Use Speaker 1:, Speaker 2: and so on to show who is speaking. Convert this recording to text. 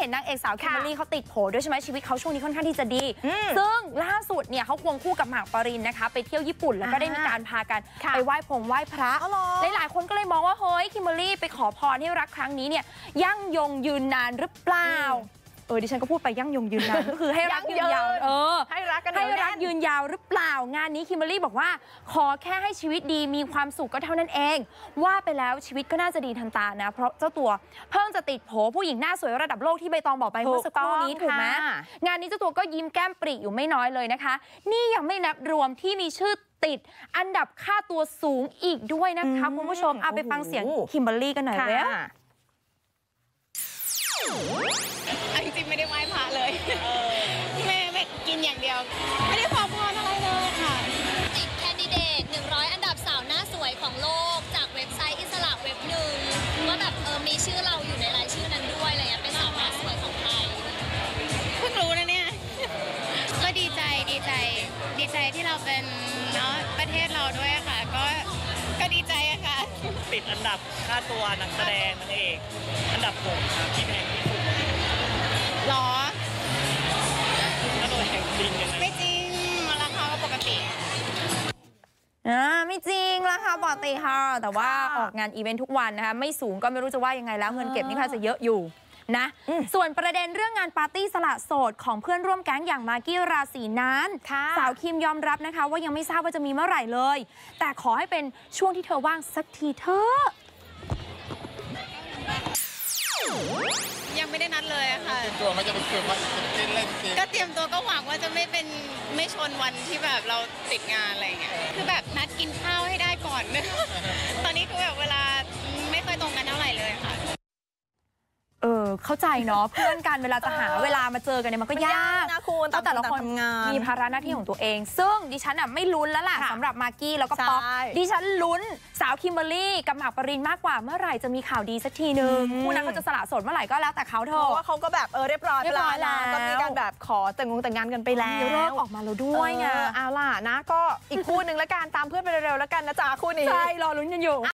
Speaker 1: ห็นนางเอกสาวคิมเบอรรี่เขาติดโผด้วยใช่ไหมชีวิตเขาช่วงนี้ค่อนข้างที่จะดีซึ่งล่าสุดเนี่ยเขาควงคู่กับหมากปรินนะคะไปเที่ยวญี่ปุ่นแล้วก็ได้มีการพากันไปไหว้พระหลายๆคนก็เลยมองว่าเฮ้ยคิมเบอรรี่ไปขอพรให้รักครั้งนี้เนี่ยยั่งยงยืนนานหรือเปล่าดิฉันก็พูดไปยั่งยงยืนนานก็คือให้รักยืนยาว
Speaker 2: ให้รักกัน
Speaker 1: ให้รักยืนยาวหรือเปล่างานนี้คิมเบอรรี่บอกว่าขอแค่ให้ชีวิตดีมีความสุขก็เท่านั้นเองว่าไปแล้วชีวิตก็น่าจะดีทันตานะเพราะเจ้าตัวเพิ่งจะติดโผผู้หญิงหน้าสวยระดับโลกที่ใบตองบอกไปเมื่อสักครู่นี้ถูกไหมงานนี้เจ้าตัวก็ยิ้มแก้มปริอยู่ไม่น้อยเลยนะคะนี่ยังไม่นับรวมที่มีชื่อติดอันดับค่าตัวสูงอีกด้วยนะคะคุณผู้ชมเอาไปฟังเสียงคิมเบอรรี่กันหน่อยเลย
Speaker 3: จริงๆไม่ได้ไหว้พระเลยแม่กินอย่างเดียวไม่ได้ขอพรอะไรเลยค่ะ
Speaker 4: ติดแคนดิเดต100อันดับสาวหน้าสวยของโลกจากเว็บไซต์อิสระเว็บหนึ่งว่าแบบมีชื่อเราอยู่ในรายชื่อนั้นด้วยอะไรเงี้ยเป็นสาวหน้าสวยของไทย
Speaker 3: เพิ่งรู้นะเนี่ยก็ดีใจที่เราเป็นเนาะประเทศเราด้วยค่ะก็ดีใจอะค่ะ
Speaker 5: ติดอันดับค่าตัวนักแสดงนางเอกอันดับ6ครับที่แพงที่สุด
Speaker 3: หรอ
Speaker 5: ค่าตัวแพงจริงยังไง
Speaker 3: ไม่จริงราคาก็ปกติ
Speaker 1: ไม่จริงราคาปกติค่ะแต่ว่าออกงานอีเวนต์ทุกวันนะคะไม่สูงก็ไม่รู้จะว่ายังไงแล้วเงินเก็บนี่ค่ะจะเยอะอยู่นะส่วนประเด็นเรื่องงานปาร์ตี้สละโสดของเพื่อนร่วมแก๊งอย่างมากกี้ราศีนั้นสาวคิมยอมรับนะคะว่ายังไม่ทราบว่าจะมีเมื่อไหร่เลยแต่ขอให้เป็นช่วงที่เธอว่างสักทีเถอะ
Speaker 3: ยังไม่ได้นัดเลยค่ะ
Speaker 2: ตัวมันจะเป็นเกิดว่าเล่น
Speaker 3: ก็เตรียมตัวก็หวังว่าจะไม่ชนวันที่แบบเราติดงานอะไรอย่างเงี้ยคือแบบนัดกินข้าวให้ได้ก่อน ตอนนี้คือแบบเวลาไม่ค่อยตรงกันเท่าไหร่เลยค่ะ
Speaker 1: เข้าใจเนาะเพื่อนกันเวลาจะหาเวลามาเจอกันเนี่ยมันก็ยาก
Speaker 2: นะคุณ
Speaker 1: แต่ละคนมีภาระหน้าที่ของตัวเองซึ่งดิฉันไม่ลุ้นแล้วล่ะสำหรับมากกี้แล้วก็ป๊อกดิฉันลุ้นสาวคิมเบอรรี่กับหมากปรินมากกว่าเมื่อไหร่จะมีข่าวดีสักทีนึงคู่นั้นเขาจะสละโสดเมื่อไหร่ก็แล้วแต่เขาเถอะ
Speaker 2: เพราะว่าเขาก็แบบเรียบร้อยแล้วก็มีการแบบขอแต่งงานกันไปแล้ว
Speaker 1: มีเลิกออกมาแล้วด้วยไง
Speaker 2: เอาล่ะนะก็อีกคู่นึงแล้วกันตามเพื่อนไปเร็วๆแล้วกันนะจ๊ะคู่นี้
Speaker 1: ใช่รอลุ้นกันอยู่